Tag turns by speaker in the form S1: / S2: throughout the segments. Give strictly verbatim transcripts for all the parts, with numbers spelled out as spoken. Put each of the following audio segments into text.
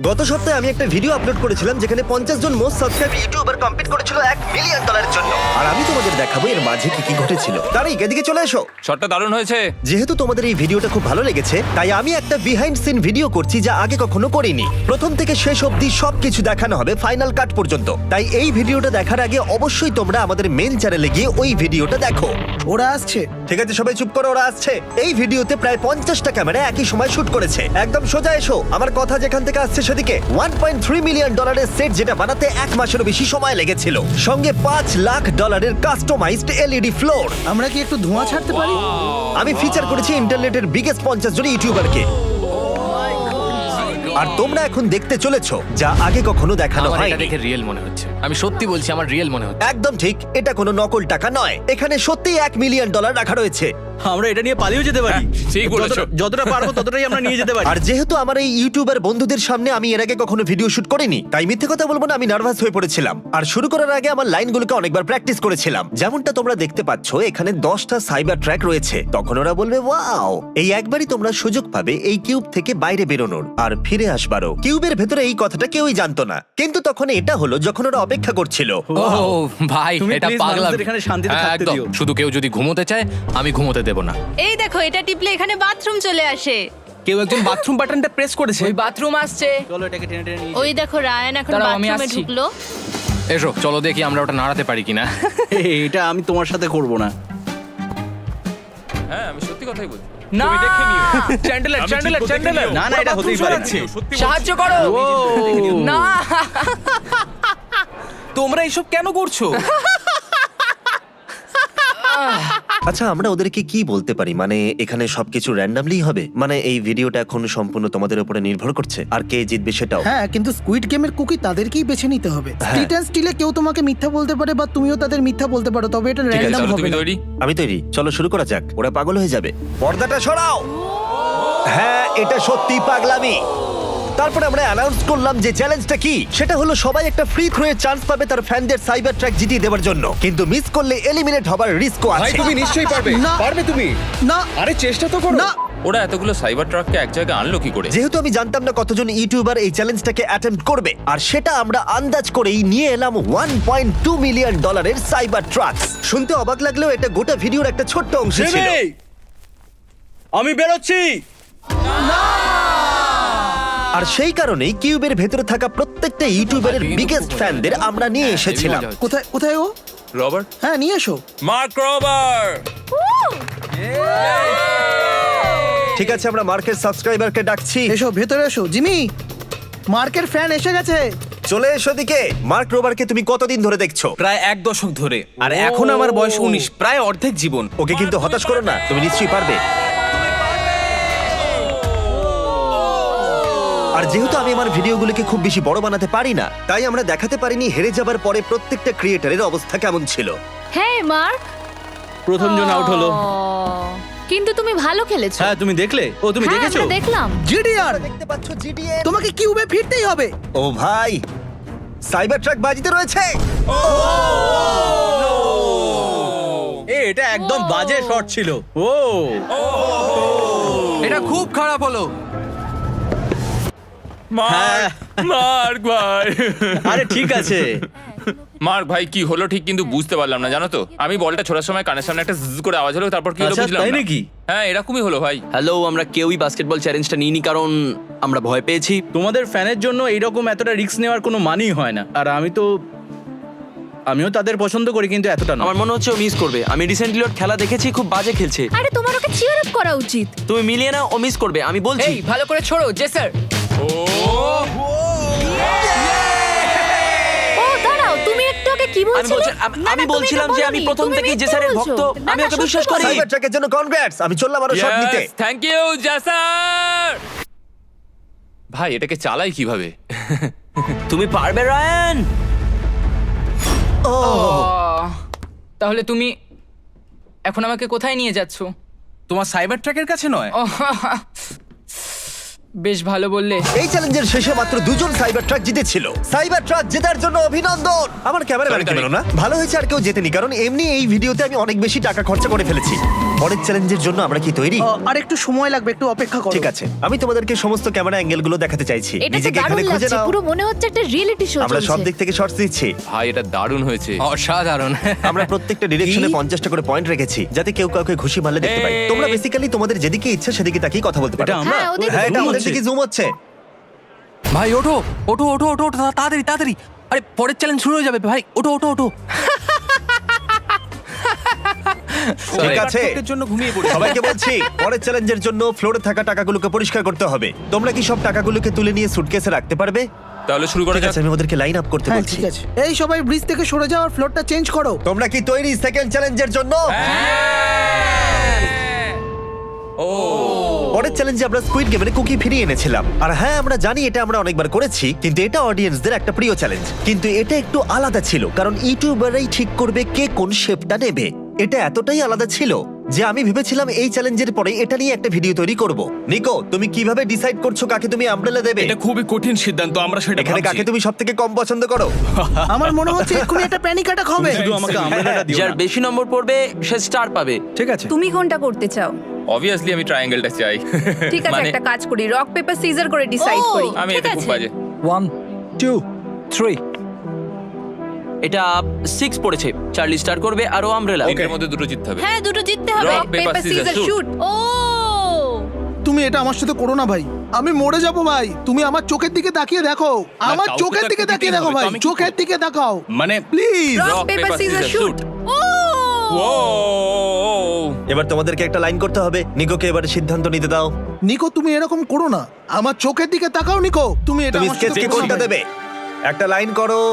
S1: গত সপ্তাহে আমি একটা ভিডিও আপলোড করেছিলাম যেখানে পঞ্চাশ জন মোস্ট সাবস্ক্রাইব ইউটিউবার কম্পিট করেছিল এক মিলিয়ন ডলারের জন্য। আর আমি তোমাদের দেখাবো এর মাঝে কি কি ঘটেছিল। তারই এদিকে চলে এসো।
S2: শটটা দারুণ হয়েছে।
S1: যেহেতু তোমাদের এই ভিডিওটা খুব ভালো লেগেছে তাই আমি একটা বিহাইন্ড সিন ভিডিও করছি যা আগে কখনো করিনি। প্রথম থেকে শেষ অবধি সবকিছু দেখানো হবে ফাইনাল কাট পর্যন্ত। তাই এই ভিডিওটা দেখার আগে অবশ্যই তোমরা আমাদের মেন চ্যানেলে গিয়ে ওই ভিডিওটা দেখো।
S3: ওরা আসছে।
S1: ঠিক আছে সবাই চুপ করো, ওরা আসছে। এই ভিডিওতে প্রায় পঞ্চাশটা ক্যামেরা একই সময় শুট করেছে। একদম সোজা এসো, আমার কথা যেখান থেকে আসছে সেদিকে। ওয়ান পয়েন্ট থ্রি মিলিয়ন ডলারের সেট যেটা বানাতে এক মাসেরও বেশি সময় লেগেছিল, সঙ্গে পাঁচ লাখ ডলারের কাস্টমাইজড এলইডি ফ্লোর।
S3: আমরা কি একটু ধোঁয়া ছাড়তে পারি?
S1: আমি ফিচার করেছি ইন্টারনেটের বিগেস্ট পঞ্চাশ জন ইউটিউবারকে। আর তোমরা এখন দেখতে চলেছো যা আগে কখনো দেখানো
S2: আমার এটা
S1: হয়নি।
S2: দেখে রিয়েল মনে হচ্ছে। আমি সত্যি বলছি, আমার রিয়েল মনে হচ্ছে।
S1: একদম ঠিক, এটা কোনো নকল টাকা নয়। এখানে সত্যিই এক মিলিয়ন ডলার রাখা রয়েছে।
S4: আমরা এটা নিয়ে পালিয়েও যেতে পারি।
S2: ঠিক বলেছো।
S4: যতটা- যতটা পারবো ততটাই আমরা নিয়ে যেতে পারি।
S1: আর যেহেতু আমার এই ইউটিউবার বন্ধুদের সামনে আমি এর আগে কখনো ভিডিও শুট করিনি, তাই মিথ্যে কথা বলবো না, আমি নার্ভাস হয়ে পড়েছিলাম। আর শুরু করার আগে আমার লাইনগুলোকে অনেকবার প্র্যাকটিস করেছিলাম। যেমনটা তোমরা দেখতে পাচ্ছ এখানে দশটা সাইবার ট্র্যাক রয়েছে। তখন ওরা বলবে ওয়াও। এই একবারই তোমরা সুযোগ পাবে এই কিউব থেকে বাইরে বেরোনোর আর ফিরে আসবারও। কিউবের ভেতরে এই কথাটা কেউই জানতো না, কিন্তু তখন এটা হলো যখন ওরা অপেক্ষা করছিল।
S2: ও ভাই,
S4: তুমি
S2: এটা
S4: please
S2: পাগলামি।
S4: মানুষদের এখানে শান্তিতে
S2: হ্যাঁ,
S4: থাকতে
S2: একদম।
S4: দিও।
S2: শুধু কেউ যদি ঘুমোতে চায় আমি ঘুমোতে দেব না।
S5: এই দেখো, এটা টিপলে এখানে বাথরুম চলে আসে।
S4: কেউ একজন বাথরুম বাটনটা প্রেস করেছে।
S6: ওই বাথরুম আসছে।
S4: চলো এটাকে টেনে টেনে নিয়ে
S5: ওই দেখো রায়ান এখন
S6: দাঁড়াও, আমি
S5: বাথরুমে
S6: আসছি।
S5: ঢুকলো।
S2: এসো চলো দেখি আমরা ওটা নাড়াতে পারি কিনা।
S4: যাই। এই, এটা আমি তোমার সাথে করব না।
S2: হ্যাঁ, আমি সত্যি কথাই বলছি।
S6: না
S4: চ্যান্ডেলার চ্যান্ডেলার চ্যান্ডেলার না না এটা হতেই পারে না।
S6: সাহায্য করো।
S4: ও
S6: না
S4: তোমরা এসব কেন করছো?
S1: আচ্ছা আমরা ওদেরকে কি বলতে পারি? মানে এখানে সবকিছু র্যান্ডমলি হবে? মানে এই ভিডিওটা এখন সম্পূর্ণ তোমাদের উপরে নির্ভর করছে আর কে জিতবে সেটাও।
S3: হ্যাঁ, কিন্তু স্কুইড গেমের কুকি তাদেরকেই বেছে নিতে হবে। স্ট্রিট অ্যান্ড স্টিলে কেউ তোমাকে মিথ্যা বলতে পারে বা তুমিও তাদের মিথ্যা বলতে পারো, তবে এটা
S2: ঠিক আছে,
S3: র্যান্ডম
S2: তাহলে
S3: হবে
S2: তুমি
S3: না।
S2: তৈরি?
S1: আমি তৈরি, চলো শুরু করা যাক। ওরা পাগল হয়ে যাবে। পর্দাটা সরাও। হ্যাঁ, এটা সত্যি পাগলামি। তারপরে আমরা অ্যানাউন্স করলাম যে চ্যালেঞ্জটা কি। সেটা হলো সবাই একটা ফ্রি থ্রো এর চান্স পাবে তার ফ্যানদের সাইবার ট্র্যাক জিতিয়ে দেওয়ার জন্য, কিন্তু মিস করলে এলিমিনেট হবার রিস্কও
S7: ভাই
S1: আছে।
S7: তুমি নিশ্চয়ই পারবে।
S3: না।
S7: পারবে তুমি।
S3: না
S7: আরে চেষ্টা তো করো।
S3: না,
S2: ওরা এতগুলো সাইবার ট্রাককে এক জায়গায় আনলো কি করে?
S1: যেহেতু আমি জানতাম না কতজন ইউটিউবার এই চ্যালেঞ্জটাকে অ্যাটেম্প্ট করবে, আর সেটা আমরা আন্দাজ করেই নিয়ে এলাম ওয়ান পয়েন্ট টু মিলিয়ন ডলারের সাইবার ট্রাকস। শুনতে অবাক লাগলেও এটা গোটা ভিডিওর একটা ছোট্ট অংশ ছিল।
S4: জিমি! আমি বেরোচ্ছি।
S1: আর সেই কারণেই কিউবের ভেতরে থাকা প্রত্যেকটা ইউটিউবারের
S2: কিন্তু
S1: বিগেস্ট
S2: খুব মজা
S1: ফ্যানদের
S2: হচ্ছে।
S1: আমরা নিয়ে
S2: হ্যাঁ,
S1: এসেছিলাম।
S2: হেবি মজা হচ্ছে।
S3: কোথায় কোথায় ও?
S2: রবার্ট,
S3: হ্যাঁ, নিয়ে এসো।
S2: Mark Rober.
S1: ঠিক আছে, আমরা মার্কের সাবস্ক্রাইবারকে ডাকছি।
S3: এসো ভেতরে এসো। জিমি, মার্কের ফ্যান এসে গেছে।
S1: চলে এসো দিকে। মার্ক রোবারকে তুমি কতদিন ধরে দেখছো?
S4: প্রায় এক দশক ধরে। আর এখন আমার বয়স উনিশ, প্রায় অর্ধেক জীবন।
S1: ওকে কিন্তু হতাশ করো না, তুমি নিশ্চয়ই পারবে। আর যেহেতু আমি আমার ভিডিওগুলোকে খুব বেশি বড় বানাতে পারি না, তাই আমরা দেখাতে পারিনি হেরে যাবার পরে প্রত্যেকটা ক্রিয়েটারের অবস্থা কেমন ছিল।
S5: হ্যাঁ মার্ক,
S4: প্রথম জন আউট হলো।
S5: কিন্তু তুমি ভালো খেলেছো।
S4: হ্যাঁ তুমি দেখলে? ও তুমি
S5: হ্যাঁ,
S4: দেখেছো?
S5: আমরা দেখলাম।
S3: জিডিআর,
S1: দেখতে পাচ্ছ জিডিএ?
S3: তোমাকে কিউবে ফিরতেই হবে।
S1: ও ভাই, সাইবার ট্রাক বাজিতে রয়েছে।
S4: এ এটা একদম বাজে শট ছিল। ও
S6: এটা খুব খারাপ হলো।
S4: হ্যাঁ।
S2: মার্ক ভাই।
S4: আরে ঠিক আছে।
S2: মার্ক ভাই কি হলো ঠিক কিন্তু বুঝতে পারলাম না, জানো তো। আমি বলটা ছোড়ার সময় কানের সামনে একটা জ্জ করে আওয়াজ হলো, তারপর কি হলো
S4: আচ্ছা,
S2: বুঝলাম
S4: তাই
S2: না।
S4: নাকি?
S2: হ্যাঁ, এরকমই হলো ভাই।
S8: হ্যালো, আমরা কেউই বাস্কেটবল চ্যালেঞ্জটা নিইনি কারণ আমরা ভয় পেয়েছি।
S4: তোমাদের ফ্যানের জন্য এইরকম এতটা রিস্ক নেওয়ার কোনো মানেই হয় না। আর আমি তো আমিও তাদের পছন্দ করি, কিন্তু এতটা না।
S8: আমার মনে হচ্ছে ও মিস করবে। আমি রিসেন্টলি ওর খেলা দেখেছি, খুব বাজে খেলছে।
S5: আরে তোমার ওকে চিয়ার আপ করা উচিত।
S8: তুমি মিলিয়ে না, ও মিস করবে আমি বলছি।
S6: এই ভালো করে ছোড়ো জেসার।
S5: ও দাঁড়াও, তুমি একটু ওকে কি
S8: আমি
S5: বলছিলে?
S8: বলছি- আমি-
S5: না, না,
S8: আমি
S5: তুমি
S8: বলছিলাম
S5: এটা
S8: যে আমি
S5: বলোনি।
S8: প্রথম
S5: তুমি
S8: থেকেই
S5: মিথ্যে
S8: জেসারের
S5: বলছো।
S8: ভক্ত।
S5: না,
S8: আমি
S5: না,
S8: ওকে
S5: সত্যি
S8: বিশ্বাস
S5: বলো।
S8: করি।
S1: সাইবার ট্রাকের জন্য কনগ্রাটস। আমি চললাম আরো শট নিতে।
S2: থ্যাংক ইউ জাসার। ভাই এটাকে চালাই কিভাবে?
S8: তুমি পারবে রায়ান।
S1: ও
S6: আহ, তাহলে তুমি এখন আমাকে কোথায় নিয়ে যাচ্ছ?
S4: তোমার সাইবার ট্র্যাকের কাছে নয়।
S6: ওহ, বেশ ভালো বললে।
S1: এই চ্যালেঞ্জের শেষে মাত্র দুজন সাইবার ট্রাক জিতেছিল। সাইবার ট্রাক জেতার জন্য অভিনন্দন। আমার ক্যামেরা
S2: Sorry,
S1: কেন না? ভালো হয়েছে আর কেউ জেতেনি, কারণ এমনি এই ভিডিওতে আমি অনেক বেশি টাকা খরচা করে ফেলেছি। পরের চ্যালেঞ্জের জন্য আমরা কি তৈরি?
S3: আহ, আর একটু সময় লাগবে, একটু অপেক্ষা করো।
S1: ঠিক আছে, আমি তোমাদেরকে সমস্ত ক্যামেরা অ্যাঙ্গেল গুলো দেখাতে চাইছি।
S5: এটা তো
S1: নিজেকে
S5: দারুণ
S1: এখানে খুঁজে
S5: লাগছে,
S1: নাও।
S5: পুরো মনে হচ্ছে একটা রিয়েলিটি শো
S1: আমরা সব
S5: চলছে।
S1: দিক থেকে শর্টস দিচ্ছি।
S2: ভাই এটা দারুণ হয়েছে।
S8: অসাধারণ।
S1: আমরা প্রত্যেকটা ডিরেকশনে পঞ্চাশটা করে পয়েন্ট রেখেছি, যাতে কেউ কাউকে ঘুষি মারলে দেখতে পাই।
S2: এই।
S1: তোমরা বেসিক্যালি তোমাদের যেদিকে ইচ্ছা সেদিকে তাকিয়ে কথা বলতে পারো।
S4: এটা আমরা
S5: হ্যাঁ, ওদের
S1: হ্যাঁ, এটা
S4: zoom
S1: আমাদের
S4: হচ্ছে।
S1: দিকে জুম হচ্ছে।
S8: ভাই ওঠো ওঠো ওঠো ওঠো ওঠো, তাড়াতাড়ি তাড়াতাড়ি। আরে পরের চ্যালেঞ্জ শুরু হয়ে যাবে ভাই, ওঠো ওঠো ওঠো।
S1: ঠিক আছে,
S4: এর জন্য ঘুমিয়ে পড়ি।
S1: সবাইকে বলছি পরের চ্যালেঞ্জের জন্য ফ্লোরে থাকা টাকাগুলোকে পরিষ্কার করতে হবে। তোমরা কি সব টাকাগুলোকে তুলে নিয়ে সুটকেসে রাখতে পারবে?
S2: তাহলে শুরু করা
S1: ঠিক
S2: যাক।
S1: আছে, আমি ওদেরকে লাইন আপ করতে
S3: হ্যাঁ
S1: বলছি।
S3: ঠিক আছে, এই সবাই ব্রিজ থেকে সরে যাও আর ফ্লোরটা চেঞ্জ করো।
S1: তোমরা কি তৈরি সেকেন্ড চ্যালেঞ্জের জন্য?
S2: ও
S1: পরের চ্যালেঞ্জে আমরা স্কুইড গেমের কুকি ফিরিয়ে এনেছিলাম। আর হ্যাঁ, আমরা জানি এটা আমরা অনেকবার করেছি, কিন্তু এটা অডিয়েন্সদের একটা প্রিয় চ্যালেঞ্জ। কিন্তু এটা একটু আলাদা ছিল, কারণ ইউটিউবাররাই ঠিক করবে কে কোন শেপটা নেবে। এটা এতটাই আলাদা ছিল যে আমি ভেবেছিলাম এই চ্যালেঞ্জের পরে এটা নিয়ে একটা ভিডিও তৈরি করব। নিকো, তুমি কিভাবে ডিসাইড করছো কাকে তুমি আমব্রেলা দেবে?
S7: এটা খুবই কঠিন সিদ্ধান্ত, আমরা সেটা
S1: এখানে
S7: ভাবছি।
S1: কাকে তুমি সবথেকে কম পছন্দ করো?
S3: আমার মনে হচ্ছে এক্ষুনি একটা প্যানিক অ্যাটাক হবে।
S4: শুধু আমাকে আমব্রেলাটা দিও
S8: যার
S4: না।
S8: বেশি নম্বর পড়বে সে স্টার পাবে।
S4: ঠিক আছে।
S9: তুমি কোনটা করতে চাও?
S2: অবভিয়াসলি আমি ট্রায়াঙ্গেলটা চাই।
S9: ঠিক আছে,
S2: মানে
S9: একটা কাজ করি, রক পেপার সিজার করে ডিসাইড
S5: ও,
S9: করি।
S2: আমি
S5: ঠিক
S2: এতে খুব
S5: আছে।
S2: বাজে।
S4: One two three.
S8: এটা সিক্স পড়েছে, চার্লি স্টার করবে আর ও আমব্রেলা।
S2: এর মধ্যে দুটো জিততে হবে।
S5: হ্যাঁ, দুটো জিততে হবে।
S2: Rock, paper,
S9: paper
S2: scissors,
S9: scissor
S2: shoot.
S9: Shoot.
S5: ও
S3: তুমি এটা আমার সাথে করো না ভাই, আমি মরে যাব ভাই। তুমি আমার চোখের দিকে তাকিয়ে দেখো, আমার
S7: কাউকে
S3: চোখের
S7: তো
S3: দিকে
S7: একটা
S3: তাকিয়ে
S7: দিতেই
S3: দেখো
S7: হবে,
S3: ভাই,
S7: তো আমি কি
S3: চোখের দিকে তাকাও
S7: মানে
S3: please.
S9: Rock
S2: Rock,
S9: paper
S2: paper,
S9: scissor
S2: scissors,
S9: shoot.
S2: shoot.
S5: ও
S2: ও
S1: এবার তোমাদেরকে একটা লাইন করতে হবে। নিকোকে এবার সিদ্ধান্ত নিতে দাও।
S3: নিকো, তুমি এরকম করো না, আমার চোখের দিকে তাকাও। নিকো, তুমি এটা
S1: তুমি
S3: আমার সাথে
S1: স্কেচকে
S3: করো না
S1: কোনটা
S3: ভাই।
S1: দেবে? একটা লাইন করো।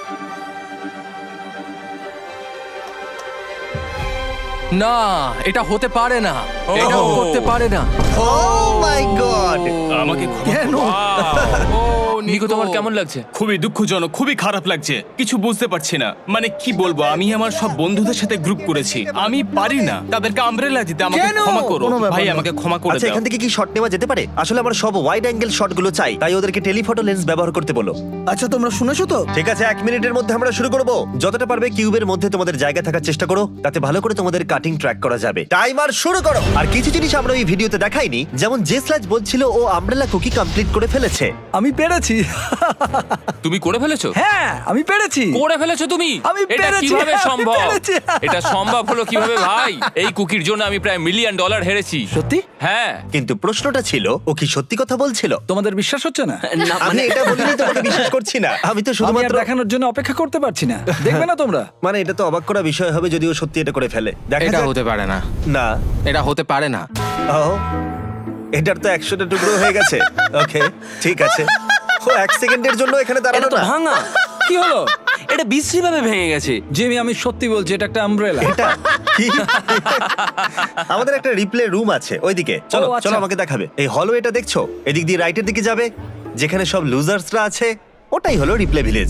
S8: না, এটা হতে পারে না,
S2: ও।
S8: এটা ও করতে পারে না।
S1: Oh my god!
S7: আমাকে ক্ষমা
S3: কেন?
S7: করো।
S8: ও
S2: নিকো, তোমার কেমন লাগছে?
S7: খুবই দুঃখজনক, খুবই খারাপ লাগছে, কিছু বুঝতে পারছি না। মানে কি বলবো, আমি আমার সব বন্ধুদের সাথে গ্রুপ করেছি, আমি পারি না তাদেরকে আমব্রেলা দিতে। আমাকে
S3: কেন?
S7: ক্ষমা করো
S3: কোনো ব্যাপার
S7: ভাই,
S3: না।
S7: আমাকে ক্ষমা করে
S1: আচ্ছা,
S7: দাও।
S1: এখান থেকে কি শট নেওয়া যেতে পারে? আসলে আমার সব ওয়াইড অ্যাঙ্গেল শটগুলো চাই, তাই ওদেরকে টেলিফটো লেন্স ব্যবহার করতে বলো।
S3: আচ্ছা, তোমরা শুনেছো তো?
S1: ঠিক আছে, এক মিনিটের মধ্যে আমরা শুরু করব। যতটা পারবে কিউবের মধ্যে তোমাদের জায়গা থাকার চেষ্টা করো, তাতে ভালো করে তোমাদের কাটিং ট্র্যাক করা যাবে। টাইমার শুরু করো। আর কিছু জিনিস আমরা এই ভিডিওতে দেখাইনি, যেমন যে স্ল্যাজ বলছিল ও আমব্রেলা কুকি কমপ্লিট করে ফেলেছে।
S4: আমি পেরেছি।
S2: তুমি করে ফেলেছো?
S4: হ্যাঁ, আমি পেরেছি।
S2: করে ফেলেছো তুমি?
S4: আমি
S2: এটা
S4: পেরেছি,
S2: কিভাবে
S4: আমি
S2: সম্ভব?
S4: পেরেছি।
S2: এটা সম্ভব হলো কিভাবে ভাই? এই কুকির জন্য আমি প্রায় মিলিয়ন ডলার হেরেছি।
S4: সত্যি?
S2: হ্যাঁ।
S1: কিন্তু প্রশ্নটা ছিল, ও কি সত্যি কথা বলছিল?
S4: তোমাদের বিশ্বাস হচ্ছে না?
S8: না
S1: আমি
S8: মানে
S1: এটা বলিনি, তোমাকে বিশ্বাস করছি না। আমি তো
S4: আমি আর
S1: শুধুমাত্র
S4: দেখানোর জন্য অপেক্ষা করতে পারছি না। দেখবে না তোমরা?
S1: মানে এটা তো অবাক করা বিষয় হবে যদি ও সত্যি এটা করে ফেলে। দেখা
S8: এটা
S1: যাক।
S8: হতে পারে না,
S1: না।
S8: এটা হতে পারে না।
S1: ও, এটার তো একশোটা টুকরো হয়ে গেছে। ওকে, ঠিক আছে। ও এক সেকেন্ডের জন্য এখানে
S8: এটা
S1: দাঁড়ানো
S8: তো
S1: না।
S8: ভাঙা,
S4: কি হলো?
S8: এটা বিশ্রী ভাবে ভেঙে গেছে।
S4: জিমি, আমি সত্যি বলছি, এটা একটা আমব্রেলা।
S1: এটা কি? আমাদের একটা রিপ্লে রুম আছে ওইদিকে। চলো
S4: ও, আচ্ছা।
S1: চলো, আমাকে দেখাবে। এই হলো এটা দেখছো, এদিক দিয়ে রাইটের দিকে যাবে, যেখানে সব লুজার্সরা আছে, ওটাই হলো রিপ্লে ভিলেজ।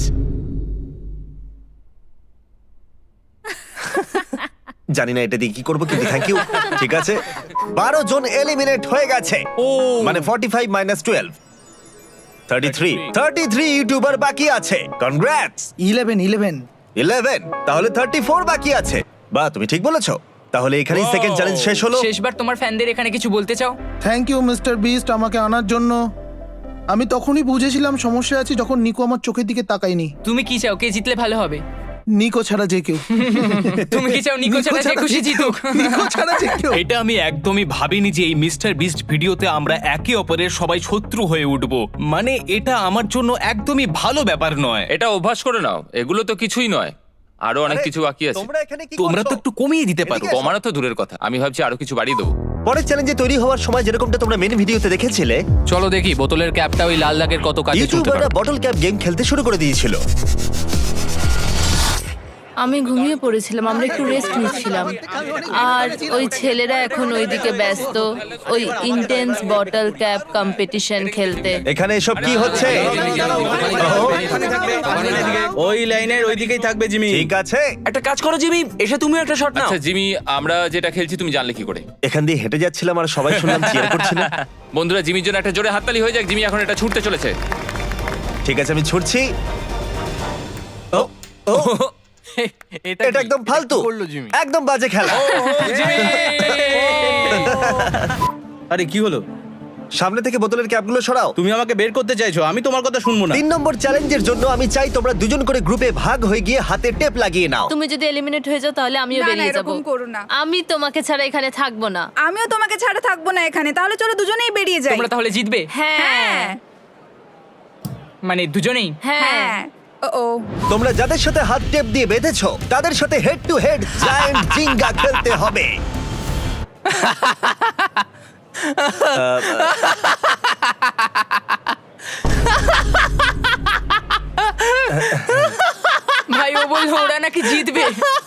S1: জানি না এটা দিয়ে কি করবো, কিন্তু থ্যাংক ইউ। ঠিক আছে, বারো জন এলিমিনেট হয়ে গেছে।
S2: ও
S1: মানে forty five minus twelve, thirty three thirty three YouTuber বাকি আছে। কনগ্রাটস।
S3: ইলেভেন ইলেভেন
S1: ইলেভেন, তাহলে থার্টি ফোর বাকি আছে। বা তুমি ঠিক বলেছো। তাহলে এখানেই সেকেন্ড চ্যালেঞ্জ শেষ হলো।
S6: শেষবার তোমার ফ্যানদের এখানে কিছু বলতে চাও?
S3: থ্যাংক ইউ মিস্টার বিস্ট আমাকে আনার জন্য। আমি তখনই বুঝেছিলাম সমস্যা আছে যখন নিকো আমার চোখের দিকে তাকায়নি।
S6: তুমি কি চাও, কে জিতলে ভালো হবে?
S3: নিকো ছাড়া যে কেউ।
S6: তুমি কি চাও নিকো ছাড়া যে খুশি জিতুক?
S3: নিকো ছাড়া যে কেউ।
S7: এটা আমি একদমই ভাবিনি যে এই মিস্টার বিস্ট ভিডিওতে আমরা একে অপরের সবাই শত্রু হয়ে উঠবো। মানে এটা আমার জন্য একদমই ভালো ব্যাপার নয়।
S2: এটা অভ্যাস করে নাও, এগুলো তো কিছুই নয়, আরো অনেক
S1: আরে,
S2: কিছু বাকি আছে।
S1: তোমরা এখানে কি
S7: তোমরা তো
S1: করছো?
S7: একটু কমিয়ে দিতে পারো।
S1: এদিকে
S2: কমানো তো দূরের কথা, আমি ভাবছি আরো কিছু বাড়িয়ে দেবো।
S1: পরের চ্যালেঞ্জে তৈরি হওয়ার সময় যেরকমটা তোমরা মেন ভিডিওতে দেখেছিলে,
S8: চলো দেখি বোতলের ক্যাপটা ওই লাল দাগের কত কাজে চলতে
S1: ইউটিউবাররা
S8: পারে।
S1: বটল ক্যাপ গেম খেলতে শুরু করে দিয়েছিল।
S5: আমি ঘুমিয়ে পড়েছিলাম, আমরা একটু রেস্ট নিচ্ছিলাম। আর ওই ছেলেরা এখন ওইদিকে ব্যস্ত ওই ইন্টেন্স বটল ক্যাপ কম্পিটিশন খেলতে।
S1: এখানে এসব কি হচ্ছে? ও,
S4: ওই লাইনের ওই দিকেই থাকবে জিমি।
S1: ঠিক আছে,
S8: একটা কাজ করো জিমি, এসে তুমিও একটা শট নাও।
S2: আচ্ছা জিমি, আমরা যেটা খেলছি তুমি জানলে কি করে?
S1: এখান দিয়ে হেঁটে যাচ্ছিলাম আর সবাই শুনলাম চিয়ার করছিল।
S2: বন্ধুরা, জিমির জন্য একটা জোরে হাততালি হয়ে যাক। জিমি এখন এটা ছুটতে চলেছে।
S1: ঠিক আছে, আমি ছুটছি। ও, ও, এটা একদম ফালতু,
S8: করলো জিমি।
S1: একদম বাজে খেলা।
S4: আরে কি হলো?
S1: সামনে থেকে বোতলের ক্যাপগুলো সরাও।
S4: তুমি আমাকে বের করতে চাইছো, আমি তোমার কথা শুনবো না।
S1: তিন নম্বর চ্যালেঞ্জের জন্য আমি চাই তোমরা দুজন করে গ্রুপে ভাগ হয়ে গিয়ে হাতে টেপ লাগিয়ে নাও।
S5: তুমি যদি এলিমিনেট হয়ে যাও তাহলে আমিও
S9: না, না,
S5: বেরিয়ে যাব।
S9: এরকম করো না।
S5: আমি তোমাকে ছাড়া এখানে থাকবো না।
S9: আমিও তোমাকে ছাড়া থাকবো না এখানে, তাহলে চলো দুজনেই বেরিয়ে যাই।
S6: তোমরা তাহলে জিতবে?
S5: হ্যাঁ
S9: হ্যাঁ
S6: মানে দুজনেই?
S5: হ্যাঁ
S9: হ্যাঁ ও ও
S1: তোমরা যাদের সাথে হাত টেপ দিয়ে বেঁধেছো তাদের সাথে head to head giant Jenga খেলতে হবে।
S6: ভাই ও বললো ওরা নাকি জিতবে।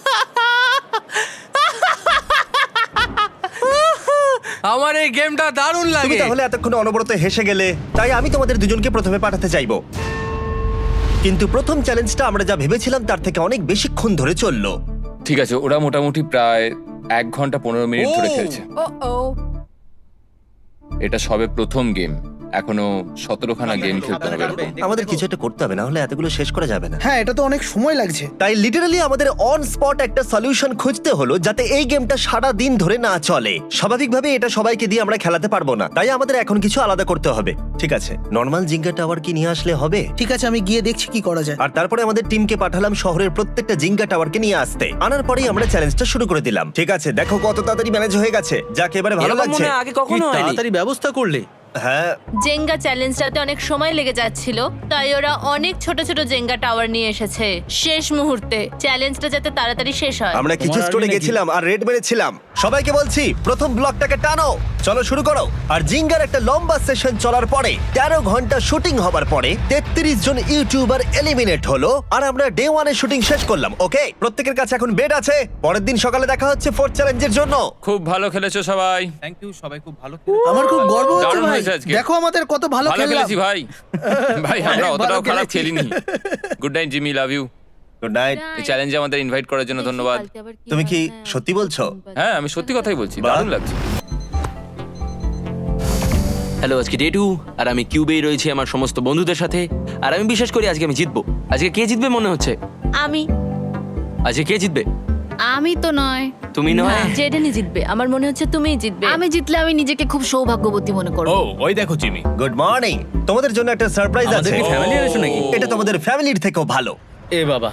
S8: আমার এই গেমটা দারুণ
S1: তুমি
S8: লাগে।
S1: তাহলে এতক্ষণ অনবরত হেসে গেলে, তাই আমি তোমাদের দুজনকে প্রথমে পাঠাতে চাইবো। কিন্তু প্রথম চ্যালেঞ্জটা আমরা যা ভেবেছিলাম তার থেকে অনেক বেশিক্ষণ ধরে চললো।
S2: ঠিক আছে, ওরা মোটামুটি প্রায় এক ঘন্টা পনেরো মিনিট ধরে খেলছে।
S9: ও ও
S2: এটা সবে প্রথম গেম, এখনো সতেরোখানা গেম খেলতে হবে এরকম।
S1: আমাদের কিছু একটা করতে হবে, না হলে এতগুলো শেষ করা যাবে না।
S3: হ্যাঁ এটা তো অনেক সময় লাগছে।
S1: তাই লিটারালি আমাদের অন স্পট একটা সলিউশন খুঁজতে হলো যাতে এই গেমটা সারা দিন ধরে না চলে। স্বাভাবিকভাবে এটা সবাইকে দিয়ে আমরা খেলাতে পারবো না, তাই আমাদের এখন কিছু আলাদা করতে হবে। ঠিক আছে, নর্মাল জিঙ্গা টাওয়ার কি নিয়ে আসলে হবে?
S3: ঠিক আছে আমি গিয়ে দেখছি কি করা যায়।
S1: আর তারপরে আমাদের টিমকে পাঠালাম শহরের প্রত্যেকটা জিঙ্গা টাওয়ারকে নিয়ে আসতে। আনার পরেই আমরা চ্যালেঞ্জটা শুরু করে দিলাম। ঠিক আছে, দেখো কত তাড়াতাড়ি ম্যানেজ হয়ে গেছে, যাকে এবারে ভালো লাগছে।
S4: কি তাড়াতাড়ি ব্যবস্থা করলে।
S1: হ্যাঁ,
S5: জেঙ্গা চ্যালেঞ্জটাতে অনেক সময় লেগে যাচ্ছিল, তাই ওরা অনেক ছোট ছোট জেঙ্গা টাওয়ার নিয়ে এসেছে শেষ মুহূর্তে, চ্যালেঞ্জটা যাতে তাড়াতাড়ি শেষ হয়।
S1: আমরা কিছু
S4: তোমার
S1: স্টোরে
S4: আর্মি নাকি?
S1: গেছিলাম আর রেড মেরেছিলাম। সবাইকে বলছি প্রথম ব্লকটাকে টানো, চলো শুরু করো। আর জিঙ্গার একটা লম্বা সেশন চলার পরে তেরো ঘন্টা শুটিং হবার পরে তেত্রিশ জন ইউটিউবার এলিমিনেট হলো আর আমরা ডে ওয়ানে শুটিং শেষ করলাম। ওকে, প্রত্যেকের কাছে এখন বেড আছে। পরের দিন সকালে দেখা হচ্ছে ফোর্থ চ্যালেঞ্জের জন্য।
S2: খুব ভালো খেলেছো সবাই,
S7: থ্যাংক ইউ, সবাই খুব ভালো খেলেছে।
S3: আমার খুব গর্ব হচ্ছে
S2: দারুণ
S3: ভাই,
S2: হয়েছে আজকে।
S3: দেখো আমাদের কত ভালো
S2: ভালো
S3: খেললাম।
S2: খেলেছি ভাই। ভাই আমরা
S3: ভালো
S2: অতটাও খারাপ
S3: খেলেছি।
S2: খেলিনি। Good night Jimmy, love you.
S1: Good night.
S2: এই চ্যালেঞ্জে আমাদের ইনভাইট করার জন্য ধন্যবাদ।
S1: তুমি কি সত্যি বলছো?
S2: হ্যাঁ আমি সত্যি কথাই বলছি,
S1: বাহ।
S2: দারুণ লাগছে।
S10: হ্যালো, আজকে ডে টু আর আমি কিউবেই রয়েছি আমার সমস্ত বন্ধুদের সাথে। আর আমি বিশ্বাস করি আজকে আমি জিতবো। আজকে কে জিতবে মনে হচ্ছে?
S5: আমি
S10: আজকে কে জিতবে?
S5: আমি তো নয়।
S10: তুমি নয়?
S5: জেডেনই জিতবে, আমার মনে হচ্ছে তুমিই জিতবে।
S11: আমি জিতলে আমি নিজেকে খুব সৌভাগ্যবতী মনে করব।
S7: ও ওই দেখো জিমি।
S1: গুড মর্নিং, তোমাদের জন্য একটা সারপ্রাইজ আছে।
S4: আমাদের কি ফ্যামিলি এনেছো নাকি?
S1: এটা তোমাদের ফ্যামিলির থেকেও ভালো।
S4: এ বাবা,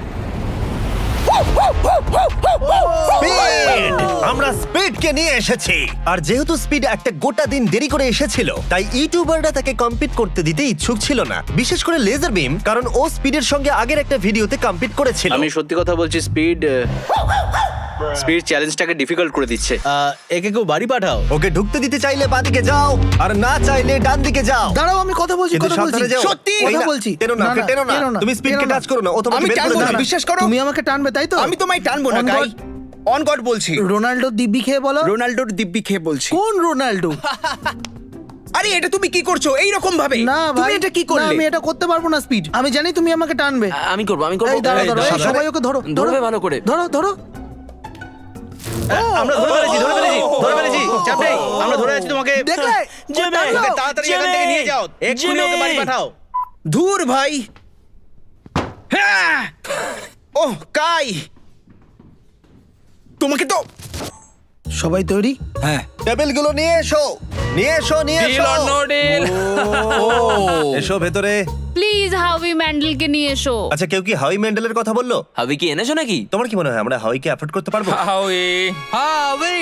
S1: স্পিড! আমরা স্পিডকে নিয়ে এসেছি। আর যেহেতু স্পিড একটা গোটা দিন দেরি করে এসেছিল, তাই ইউটিউবাররা তাকে কম্পিট করতে দিতে ইচ্ছুক ছিল না, বিশেষ করে লেজার বিম, কারণ ও স্পিডের সঙ্গে আগের একটা ভিডিওতে কম্পিট করেছিল।
S4: আমি সত্যি কথা বলছি, স্পিড স্পিড চ্যালেঞ্জটাকে ডিফিকাল্ট করে দিচ্ছে। আহ, একে কেউ বাড়ি পাঠাও।
S1: ওকে ঢুকতে দিতে চাইলে বাদিকে যাও, আর না চাইলে ডান দিকে যাও।
S3: দাঁড়াও আমি কথা বলছি,
S1: কিন্তু
S3: কথা বলছি।
S1: সাবধানে যাও।
S3: সত্যি
S1: এই
S3: কথা
S1: না,
S3: বলছি।
S1: টেনো না,
S3: না,
S1: ওকে
S3: না,
S1: টেনো না।
S3: টেনো না,
S1: তুমি স্পিডকে
S3: টেনো না।
S1: টাচ করো না, ও তোমাকে
S3: আমি
S1: বের করে
S3: টানবো না,
S1: দেবে।
S3: বিশ্বাস করো। তুমি আমাকে টানবে তাই তো?
S12: আমি তোমায় টানবো না
S3: On
S12: গাই,
S3: God।
S12: অন গড বলছি।
S3: রোনাল্ডো দিব্যি খেয়ে বলো।
S12: রোনাল্ডোর দিব্যি খেয়ে বলছি।
S3: কোন রোনাল্ডো?
S12: আরে এটা তুমি কি করছো এই রকম ভাবে?
S3: না
S12: তুমি
S3: ভাই,
S12: এটা কি
S3: না,
S12: করলে?
S3: আমি এটা করতে পারবো না স্পিড। আমি জানি তুমি আমাকে টানবে।
S10: আ- আমি করবো, আমি করবো।
S3: এই দাঁড়াও
S1: এই,
S3: দাঁড়াও, এই,
S1: সাবধানে।
S3: সবাই ওকে ধরো ধরো
S10: ধরবে ভালো করে।
S3: ধরো ধরো।
S4: আমরা ধরে ফেলেছি, ধরে ফেলেছি, ধরে ফেলেছি। চাপ নেই, আমরা ধরে আছি তোমাকে।
S3: দেখলে?
S4: জিমি,
S3: টানলো।
S4: ওকে তাড়াতাড়ি এখান থেকে নিয়ে যাও। এক্ষুনি ওকে বাড়ি পাঠাও।
S12: ধুর ভাই। হ্যাঁ! ওহ কাই, তোমাকে তো
S3: সবাই তৈরি?
S12: হ্যাঁ
S1: টেবিলগুলো নিয়ে এসো, নিয়ে এসো, নিয়ে
S2: ডিল
S1: এসো।
S2: Or no deal?
S1: এসো ভেতরে।
S11: প্লিজ হাউই ম্যান্ডেলকে নিয়ে এসো।
S1: আচ্ছা, কেউ কি হাউই ম্যান্ডেলের কথা বললো?
S10: হাবি কি এনেছো নাকি?
S1: তোমার কি মনে হয় আমরা হাউইকে অ্যাফোর্ড করতে পারবো?
S2: হাউই
S8: হাওই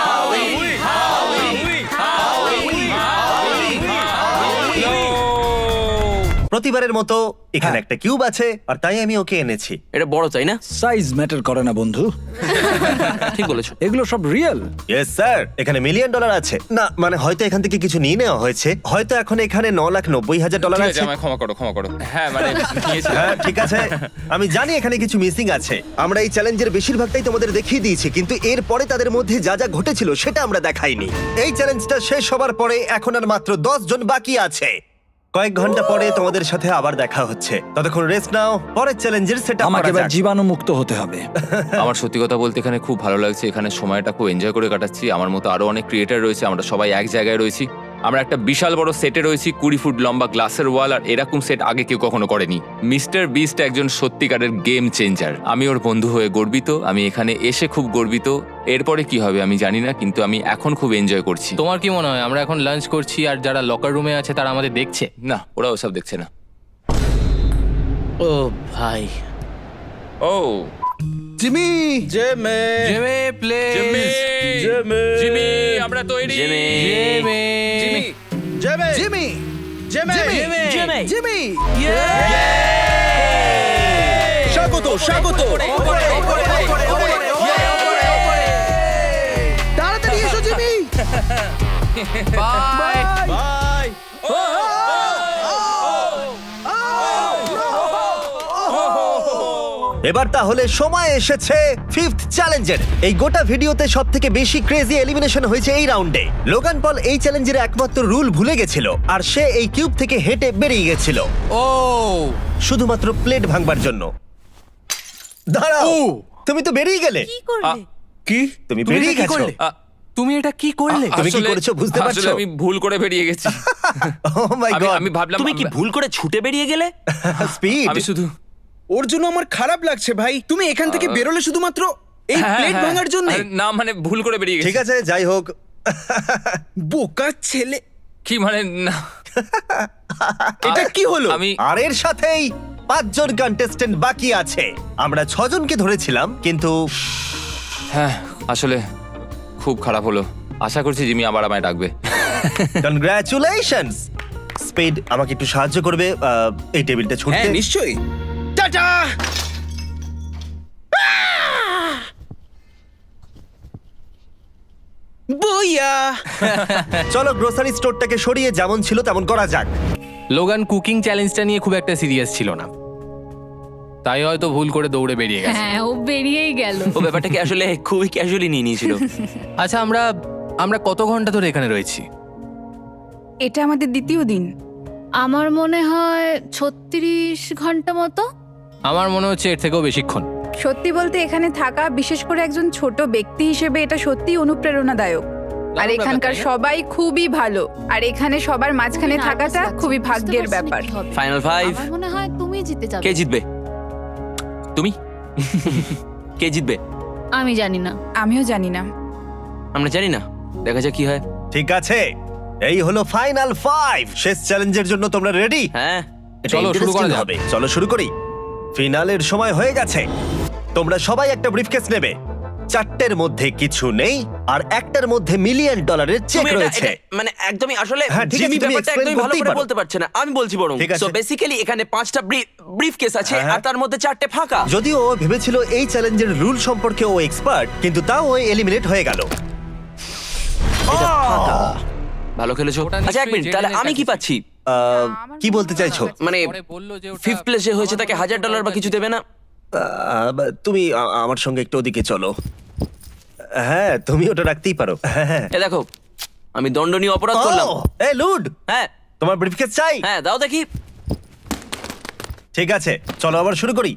S1: প্রতিবারের মতো এখানে একটা কিউব আছে, আর তাই আমি ওকে এনেছি।
S10: এটা বড় চাই না?
S12: সাইজ ম্যাটার করে না বন্ধু,
S10: ঠিক বলেছো।
S12: এগুলো সব রিয়েল।
S1: ইয়েস স্যার, এখানে মিলিয়ন ডলার আছে। না মানে হয়তো এখান থেকে কিছু নিয়ে নেওয়া হয়েছে, হয়তো এখন এখানে ন লাখ নব্বই হাজার ডলার
S2: ঠিক
S1: আছে।
S2: আছে, আমায় ক্ষমা করো, ক্ষমা করো। হ্যাঁ মানে নিয়েছিলাম।
S1: হ্যাঁ ঠিক আছে, আমি জানি এখানে কিছু মিসিং আছে। আমরা এই চ্যালেঞ্জের বেশিরভাগটাই তোমাদের দেখিয়ে দিয়েছি, কিন্তু এরপরে তাদের মধ্যে যা যা ঘটেছিল সেটা আমরা দেখাইনি। এই চ্যালেঞ্জটা শেষ হবার পরে এখন আর মাত্র দশ জন বাকি আছে। কয়েক ঘন্টা পরে তোমাদের সাথে আবার দেখা হচ্ছে, ততক্ষণ রেস্ট নাও, পরের চ্যালেঞ্জের সেটা
S12: আমাকে এবার জীবাণু মুক্ত হতে হবে।
S2: আমার সত্যি কথা বলতে এখানে খুব ভালো লাগছে, এখানে সময়টা খুব এনজয় করে কাটাচ্ছি। আমার মতো আরো অনেক ক্রিয়েটার রয়েছে, আমরা সবাই এক জায়গায় রয়েছি। আমরা একটা বিশাল বড় সেটে রয়েছি, কুড়ি ফুট লম্বা গ্লাসের ওয়াল, আর এরকম সেট আগে কেউ কখনো করেনি। মিস্টার বিস্ট একজন সত্যিকারের গেম চেঞ্জার। আমি ওর বন্ধু হয়ে গর্বিত, আমি এখানে এসে খুব গর্বিত। এরপরে কি হবে আমি জানি না, কিন্তু আমি এখন খুব এনজয় করছি।
S8: তোমার কি মনে হয় আমরা এখন লাঞ্চ করছি আর যারা লকার রুমে আছে তারা আমাদের দেখছে?
S2: না, ওরা ওসব দেখছে না।
S4: ও ভাই,
S2: ও
S3: জিমি
S4: জেমে
S8: জেমে প্লে
S2: জিমি
S4: জেমে
S2: জিমি আমরা তৈরি।
S10: জেমে
S8: জেমে
S4: জিমি জেমে
S3: জিমি
S4: জেমে
S3: জিমি
S4: জেমে
S3: জিমি
S12: স্বাগত স্বাগত
S3: তাড়াতাড়ি এসো জিমি
S8: বাই
S4: বাই।
S1: এবার তাহলে সময় এসেছে ফিফথ চ্যালেঞ্জের। এই গোটা ভিডিওতে সব থেকে বেশি ক্রেজি এলিমিনেশন হয়েছে এই রাউন্ডে। লোগান পল এই চ্যালেঞ্জের একমাত্র রুল ভুলে গেছিল, আর সে এই কিউব থেকে হেঁটে বেরিয়ে গেছিল
S8: ও
S1: শুধুমাত্র প্লেট ভাঙবার জন্য। দাঁড়াও, তুমি তো বেরিয়ে গেলে।
S2: আ-
S4: কি
S1: তুমি
S8: তুমি
S1: বেরিয়ে
S8: এটা কি
S1: গেছো।
S8: করলে? তুমি এটা কি করলে?
S1: তুমি কি
S2: আসলে-
S1: করেছো বুঝতে পারছো?
S2: আসলে আমি ভুল করে বেরিয়ে গেছি।
S1: ও মাই
S2: আমি
S1: গড,
S2: আমি ভাবলাম
S10: তুমি কি ভুল করে ছুটে বেরিয়ে গেলে?
S1: স্পিড।
S2: আমি শুধু
S12: ওর জন্য আমার খারাপ লাগছে ভাই। তুমি এখান থেকে বেরোলে শুধুমাত্র এই
S2: হ্যাঁ,
S12: প্লেট
S2: হ্যাঁ।
S12: ভাঙার জন্য?
S2: আরে না, মানে ভুল করে বেরিয়ে গেছি।
S1: ঠিক আছে, যাই হোক।
S12: বোকা ছেলে,
S2: কি মানে না,
S12: এটা কি হলো?
S2: আমি
S1: আর এর সাথেই পাঁচজন কন্টেস্টেন্ট বাকি আছে। আমরা ছজনকে ধরেছিলাম, কিন্তু
S2: হ্যাঁ আসলে খুব খারাপ হলো। আশা করছি জিমি আবার আমায় ডাকবে।
S1: কনগ্রাচুলেশনস। স্পিড, আমাকে একটু সাহায্য করবে আহ, এই টেবিলটা
S12: হ্যাঁ
S1: ছুটতে?
S12: নিশ্চয়ই। টাটা। বইয়া।
S1: চলো গ্রোসারি স্টোরটাকে সরিয়ে যেমন ছিল তেমন করা যাক।
S8: লোগান কুকিং চ্যালেঞ্জটা নিয়ে খুব একটা সিরিয়াস ছিল না, তাই হয়তো ভুল করে দৌড়ে বেরিয়ে গেছে।
S11: হ্যাঁ ও বেরিয়েই গেল।
S10: ও ব্যাপারটাকে আসলে খুবই ক্যাজুয়ালি নিয়ে নিয়েছিল।
S8: আচ্ছা, আমরা আমরা কত ঘন্টা ধরে এখানে রয়েছি?
S9: এটা আমাদের দ্বিতীয় দিন।
S11: আমার মনে হয় ছত্রিশ ঘন্টা মতো।
S8: আমার মনে হচ্ছে এর থেকেও বেশিক্ষণ।
S9: সত্যি বলতে এখানে থাকা, বিশেষ করে একজন ছোট ব্যক্তি হিসেবে, এটা সত্যি অনুপ্রেরণাদায়ক। আর এখানকার সবাই খুবই ভালো, আর এখানে সবার মাঝখানে
S11: খুবই
S9: থাকাটা
S11: nervous লাগছে,
S9: খুবই
S11: বুঝতে
S9: ভাগ্যের
S11: পারছি না
S9: ব্যাপার।
S11: কি হবে।
S10: Final five.
S11: আমার মনে হয় তুমি জিতে যাবে।
S10: কে জিতবে? তুমি? কে জিতবে?
S11: আমি জানি না।
S9: আমিও জানি না।
S10: আমরা জানি না, দেখা যাক কি হয়।
S1: ঠিক আছে, এই হলো ফাইনাল ফাইভ। শেষ চ্যালেঞ্জের জন্য তোমরা রেডি?
S10: হ্যাঁ,
S8: চলো শুরু করা যাক।
S1: হবে, চলো শুরু করি। ফিনালের সময় হয়ে গেছে। তোমরা সবাই একটা ব্রিফকেস নেবে। চারটের মধ্যে কিছু নেই, আর একটার মধ্যে মিলিয়ন ডলারের চেক
S10: তুমি এটা-
S1: রয়েছে।
S10: এটা- মানে একদমই আসলে
S1: হ্যাঁ, ঠিক আছে,
S10: জিমি
S1: তুমি
S10: ব্যাপারটা
S1: explain
S10: একদমই ভালো
S1: করতেই
S10: করে
S1: পারো।
S10: বলতে পারছে না, আমি বলছি বরং।
S1: ঠিক আছে।
S10: সো বেসিক্যালি এখানে পাঁচটা ব্রিফ কেস আছে,
S1: হ্যাঁ,
S10: আর তার মধ্যে চারটে ফাঁকা।
S1: যদিও ও ভেবেছিল এই চ্যালেঞ্জের রুল সম্পর্কে ও এক্সপার্ট, কিন্তু তাও ও এলিমিনেট হয়ে গেল।
S10: ভালো খেলেছো।
S8: ওটা
S10: আচ্ছা এক
S8: নিশ্চয়ই
S10: মিনিট, তাহলে
S8: জেডেনের
S10: আমি কি
S8: কাছে
S10: পাচ্ছি?
S1: আহ, কি বলতে চাইছো?
S10: মানে
S8: পরে বললো যে ওটা-
S10: ফিফথ প্লেসে হয়েছে তাকে হাজার ডলার বা কিছু দেবে না?
S1: আহ, তুমি আ- আমার সঙ্গে একটু ওদিকে চলো। হ্যাঁ, তুমি ওটা রাখতেই পারো। হ্যাঁ।
S10: এ দেখো, আমি দণ্ডনীয় অপরাধ করলাম।
S1: ও, এই লুড,
S10: হ্যাঁ
S1: তোমার ব্রিফকেস চাই?
S10: হ্যাঁ দাও দেখি।
S1: ঠিক আছে, চলো আবার শুরু করি।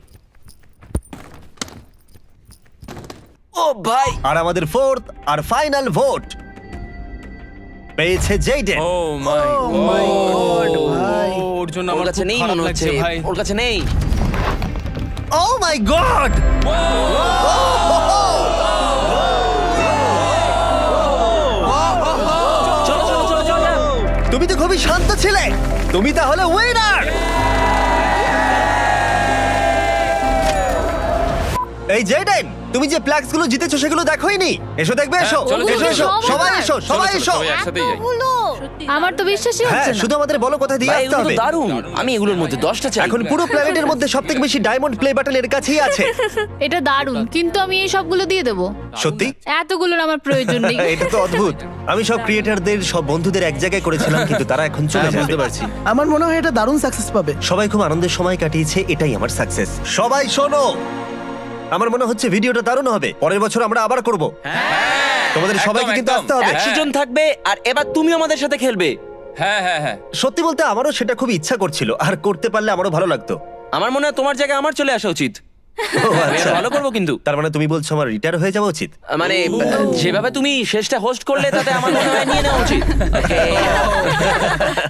S10: ও ভাই,
S1: আর আমাদের ফোর্থ আর ফাইনাল ভোট পেয়েছে জেইডেন।
S2: Oh my god.
S8: ওর জন্য
S10: ওর
S8: আমার
S10: কাছে
S8: খুব
S10: নেই
S8: খারাপ
S10: মনে
S8: লাগছে
S10: হচ্ছে,
S8: ভাই।
S10: ওর কাছে নেই।
S1: Oh my god!
S10: চলো চলো চলো চলো যাও।
S1: তুমি তো খুবই শান্ত ছিলে। তুমি তাহলে উইনার। এই জেডেন, তুমি যে প্লাক্স গুলো জিতেছো সেগুলো দেখোইনি? এসো দেখবে, এসো
S2: চলো,
S1: এসো
S2: চলো,
S1: এসো,
S2: চলো।
S1: সবাই এসো,
S2: চলো,
S1: সবাই
S2: চলো,
S1: এসো।
S2: সবাই একসাথেই যাই।
S11: আমার তো বিশ্বাসই
S1: হ্যাঁ,
S11: হচ্ছে না।
S1: শুধু আমাদের বলো কোথায় দিয়ে
S10: ভাই
S1: আসতে
S10: এগুলো তো
S1: হবে।
S10: দারুণ, আমি এগুলোর মধ্যে দশটা চাই।
S1: এখন পুরো প্ল্যানেটের মধ্যে সবথেকে বেশি ডায়মন্ড প্লে বাটন এর কাছেই আছে।
S11: এটা দারুণ, কিন্তু আমি এই সবগুলো দিয়ে দেবো।
S1: সত্যি?
S11: এতগুলোর আমার প্রয়োজন নেই।
S1: এটা তো অদ্ভুত। আমি সব ক্রিয়েটারদের, সব বন্ধুদের এক জায়গায় করেছিলাম, কিন্তু তারা এখন চলে
S4: হ্যাঁ,
S1: যাবে।
S4: বুঝতে পারছি।
S3: আমার মনে হয় এটা দারুণ সাকসেস পাবে।
S1: সবাই খুব আনন্দের সময় কাটিয়েছে, এটাই আমার সাকসেস। সবাই শোনো, আমার মনে হচ্ছে ভিডিওটা দারুণ হবে। পরের বছর আমরা আবার করব। তোমাদের সবাইকে কিন্তু
S2: একদম।
S1: আসতে হবে।
S10: একশো জন থাকবে, আর এবার তুমি আমাদের সাথে খেলবে।
S2: হ্যাঁ হ্যাঁ হ্যাঁ।
S1: সত্যি বলতে আমারও সেটা খুব ইচ্ছা করছিল, আর করতে পারলে আমারও ভালো লাগতো।
S10: আমার মনে হয় তোমার জায়গায় আমার চলে আসা উচিত।
S1: ও,
S10: আমি
S1: আচ্ছা।
S10: আরো ভালো করবো কিন্তু
S1: তার মানে তুমি বলছো আমার রিটায়ার হয়ে যাওয়া উচিত?
S10: মানে যেভাবে তুমি শেষটা হোস্ট করলে তাতে আমার মনে হয় নিয়ে নেওয়া উচিত Okay.